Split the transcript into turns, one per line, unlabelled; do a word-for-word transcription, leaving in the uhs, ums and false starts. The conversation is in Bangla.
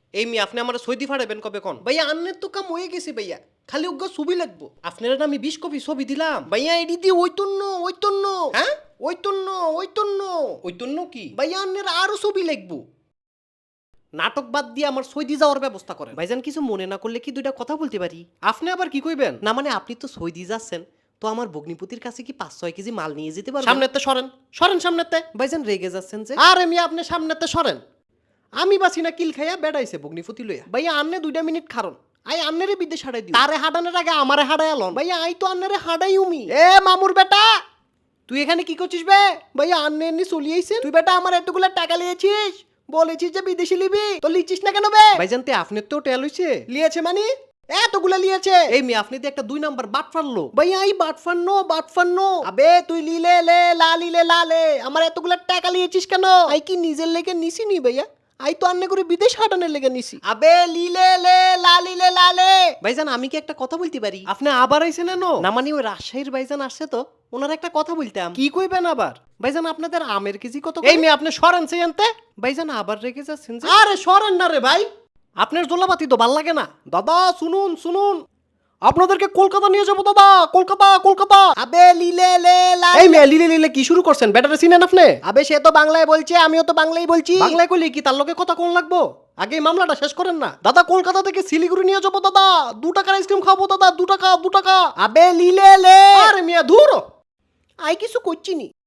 এই মি আপনি আমার সৌদি ফাড়াবেন কবে কোন ভাইয়া আন্নের তো কাম হয়ে গেছে ভাইয়া খালি উগ্র ছবি লাগবো আপনারা না আমি বিশ কপি ছবি দিলাম ভাইয়া এডি দিয়ে ওইতন্য ওইতন্য হ্যাঁ ওইতন্য ওইতন্য ওইতন্য কি ভাইয়া আন্নের আরো ছবি লাগবো নাটক বাদ দিয়ে আমার সৌদি যাওয়ার ব্যবস্থা করেন ভাইজান কিছু মনে না করলে কি দুইটা কথা বলতে পারি আপনি আবার কি কইবেন না মানে আপনি তো সৌদি যাচ্ছেন তো আমার ভগ্নিপতির কাছে কি পাঁচ ছয় কেজি মাল নিয়ে যেতে পারবেন সামনেতে সরেন সরেন সামনেতে ভাইজান রেগে যাচ্ছেন যে আরে মিয়া আপনি সামনেতে সরেন আমি বাসি না কিল খাইয়া বেড়াইছে ভগ্নিপতি লইয়া ভাইয়া আন্নে দুইটা মিনিট খারণ আই আন্নেরে বিদেশ হারাই দিই তারে হাডানোর আগে আমারে হাডাই আলন ভাইয়া আই তো আন্নেরে হাডাই উমি এ মামুর বেটা তুই এখানে কি করছিস বে ভাইয়া আন্নে এমনি চলি আইছেন তুই বেটা আমার এতগুলো টাকা লিয়েছিস বলেছিস যে বিদেশি লিবি তো লিচিস না কেন বে ভাইজান তে আপনি তো টেল হইছে লিয়েছে মানে এতগুলা লিয়েছে এই মি আপনি তো একটা দুই নাম্বার বাট ফারলো ভাইয়া এই বাট ফারনো বাট ফারনো আবে তুই লিলে লে লা লিলে লা লে আমার এতগুলা টাকা লিয়েছিস কেন আই কি নিজের লেগে নিছি নি ভাইয়া আই তো আন্নে করে বিদেশ হাটানোর লেগে নিছি আবে লিলে লে লা লিলে লা লে ভাইজান আমি কি একটা কথা বলতে পারি আপনি আবার আইছেন এনো না মানে ওই রাজশাহীর ভাইজান আসছে তো ওনার একটা কথা বলতাম কি কইবেন আবার ভাইজান আপনাদের আমের কেজি কত এই মেয়ে আপনি সরেন সেই আনতে ভাইজান আবার রেখে যাচ্ছেন যে আরে সরেন না রে ভাই আপনার জোলাপাতি তো ভাল লাগে না দাদা শুনুন শুনুন আপনাদেরকে কলকাতা নিয়ে যাবো দাদা কলকাতা কলকাতা আবে লিলে লে লা এই মেয়ে লিলে লিলে কি শুরু করছেন ব্যাটারে চিনেন আপনি আবে সে তো বাংলায় বলছে আমিও তো বাংলাই বলছি বাংলায় কইলে কি তার লগে কথা কোন লাগবো আগে এই মামলাটা শেষ করেন না দাদা কলকাতা থেকে শিলিগুড়ি নিয়ে যাবো দাদা দু টাকার আইসক্রিম খাবো দাদা দু টাকা দু টাকা আবে লিলে লে আরে মিয়া ধুর আই কিছু করছি নি